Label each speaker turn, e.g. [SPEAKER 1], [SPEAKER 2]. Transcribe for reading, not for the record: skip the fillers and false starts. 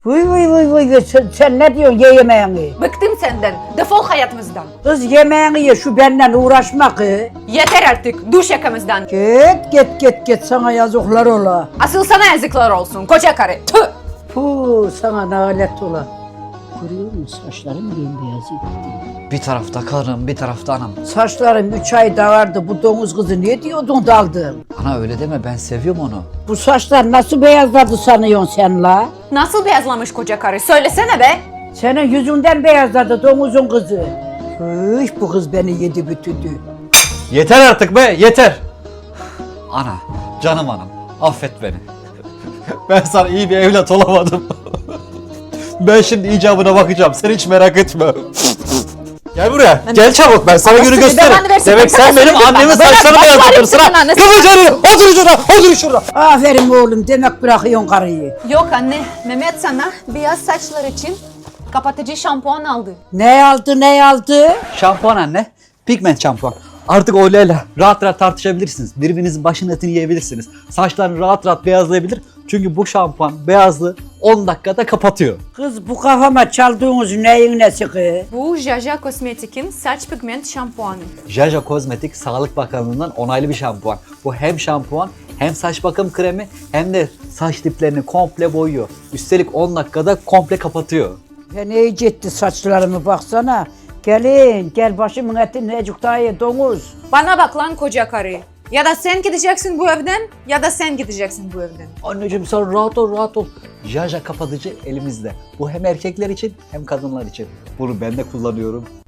[SPEAKER 1] Vıy vıy vıy vıy sen ne diyorsun ye yemeğini?
[SPEAKER 2] Bıktım senden. Defol hayatımızdan.
[SPEAKER 1] Kız yemeğini ye şu benimle uğraşma kız.
[SPEAKER 2] Yeter artık. Duş yakamızdan.
[SPEAKER 1] Git sana yazıklar ola.
[SPEAKER 2] Asıl sana yazıklar olsun koca karı. Tüh.
[SPEAKER 1] Puh sana nalet ola. Görüyor musun saçlarım bembeyaz gitti.
[SPEAKER 3] Bir tarafta karım, bir tarafta anam.
[SPEAKER 1] Saçlarım 3 ay dağardı bu domuz kızı ne diyordun daldın?
[SPEAKER 3] Ana öyle deme, ben seviyorum onu.
[SPEAKER 1] Bu saçlar nasıl beyazladı sanıyorsun sen la?
[SPEAKER 2] Nasıl beyazlamış koca karı? Söylesene be.
[SPEAKER 1] Senin yüzünden beyazladı domuzun kızı. Hıh bu kız beni yedi bütüdü.
[SPEAKER 3] Yeter artık be, yeter! Ana, canım anam, affet beni. Ben sana iyi bir evlat olamadım. Ben şimdi icabına bakacağım, sen hiç merak etme. Gel buraya, gel çabuk, ben sana günü gösteririm. Demek sen benim annemin saçlarını beyazlatırsın ha. Kıvıcını, otur şurada, otur şurada.
[SPEAKER 1] Aferin oğlum demek bırakıyorsun karıyı.
[SPEAKER 2] Yok anne. Mehmet sana beyaz saçlar için kapatıcı şampuan aldı.
[SPEAKER 1] Ne aldı?
[SPEAKER 3] Şampuan anne, pigment şampuan. Artık Olayla rahat rahat tartışabilirsiniz. Birbirinizin başının etini yiyebilirsiniz. Saçlarını rahat rahat beyazlayabilir. Çünkü bu şampuan beyazlığı 10 dakikada kapatıyor.
[SPEAKER 1] Kız bu kafama çaldığınız neyin nesi kız?
[SPEAKER 2] Bu Jaja Kozmetik'in saç pigment şampuanı.
[SPEAKER 3] Jaja Kozmetik Sağlık Bakanlığı'ndan onaylı bir şampuan. Bu hem şampuan hem saç bakım kremi hem de saç diplerini komple boyuyor. Üstelik 10 dakikada komple kapatıyor.
[SPEAKER 1] Ya ne etti saçlarımı baksana. Gelin gel başımın eti necuk daha ye domuz.
[SPEAKER 2] Bana bak lan koca karı. Ya da sen gideceksin bu evden ya da sen gideceksin bu evden.
[SPEAKER 3] Anneciğim sen rahat ol, rahat ol. Jaja kapatıcı elimizde. Bu hem erkekler için hem kadınlar için. Bunu ben de kullanıyorum.